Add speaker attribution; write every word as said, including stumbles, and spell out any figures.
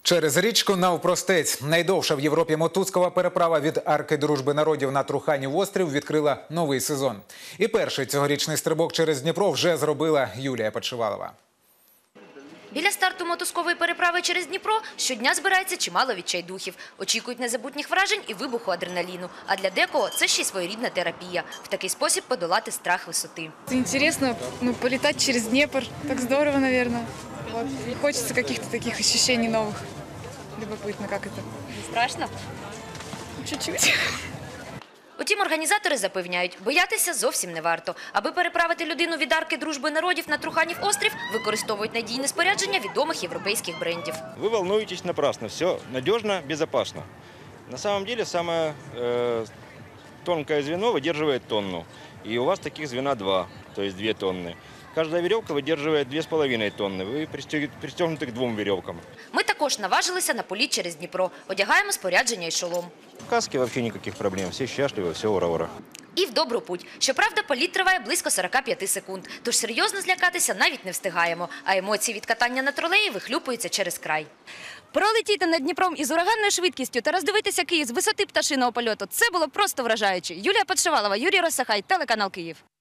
Speaker 1: Через річку навпростець. Найдовша в Європі мотузкова переправа від Арки Дружби народів на Труханів острів відкрила новий сезон. І перший цьогорічний стрибок через Дніпро вже зробила Юлія Подшивалова.
Speaker 2: Біля старту мотузкової переправи через Дніпро щодня збирається чимало відчайдухів. Очікують незабутніх вражень і вибуху адреналіну. А для декого це ще й своєрідна терапія. В такий спосіб подолати страх висоти.
Speaker 3: Интересно, ну, полетать через Днепр. Так здорово, наверное. Вот. И хочется каких-то таких ощущений новых. Любопытно, как это.
Speaker 2: Страшно?
Speaker 3: Чуть-чуть.
Speaker 2: Утім, організатори запевняють, боятися зовсім не варто. Аби переправити людину від Арки Дружби народів на Труханів острів, використовують надійне спорядження відомих європейських брендів.
Speaker 4: Вы волнуетесь напрасно. Все надежно, безопасно. На самом деле самое э, тонкое звено выдерживает тонну. И у вас таких звена два, то есть две тонны. Каждая веревка выдерживает две с половиной тонны. Вы пристегнуты к двум веревкам.
Speaker 2: Ми також наважилися на політ через Дніпро. Одягаємо спорядження і шолом.
Speaker 4: В каске вообще никаких проблем. Все счастливы, все ура-ура.
Speaker 2: І в добру путь. Щоправда, політ триває близько сорока п'яти секунд. Тож серйозно злякатися навіть не встигаємо. А емоції від катання на тролеї вихлюпуються через край. Пролетіти над Дніпром із ураганною швидкістю та роздивитися Київ з висоти пташиного польоту – це було просто вражаюче. Юлія Подшивалова, Юрій Росахай, телеканал Київ.